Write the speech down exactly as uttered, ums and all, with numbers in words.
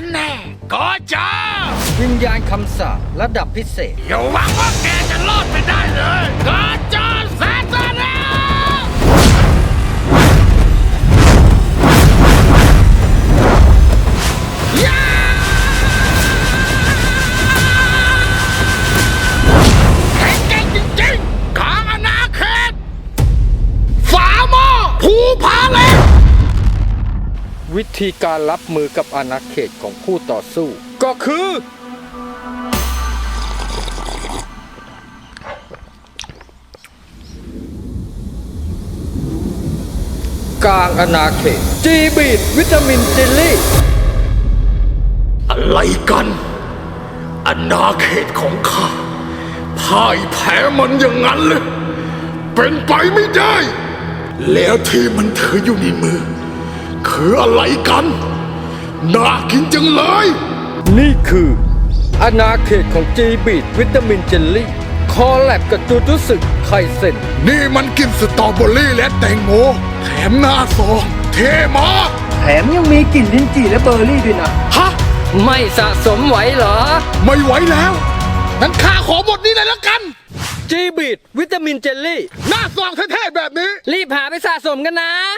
กันแน่ก็จ้าวิญญาณคำสาประดับพิเศษอย่าหวังว่าแกจะรอดไปได้เลยก็จ้าแซนซาเน่แข็งแกร่งจริงๆกลางอาณาเขตฝาหม้อภูผาเหล็กวิธีการรับมือกับอาณาเขตของผู้ต่อสู้ก็คือ กลางอาณาเขตจีบีดวิตามินเจลลี่อะไรกันอาณาเขตของข้าพ่ายแพ้มันอย่างนั้นเลยเป็นไปไม่ได้ แล้วที่มันถืออยู่ในมือคืออะไรกันน่ากินจังเลยนี่คืออาณาเขตของจีบีดวิตามินเจลลี่คอแลบกับจูจุสึไคเซ็นนี่มันกินสตรอเบอรี่และแตงโมแถมหน้าซองเท่มากแถมยังมีกลิ่นลิ้นจี่และเบอร์รี่ด้วยนะฮะไม่สะสมไหวเหรอไม่ไหวแล้วนั้นข้าขอหมดนี้เลยแล้วกันจีบีดวิตามินเจลลี่หน้าซองเท่ๆแบบนี้รีบหาไปสะสมกันนะ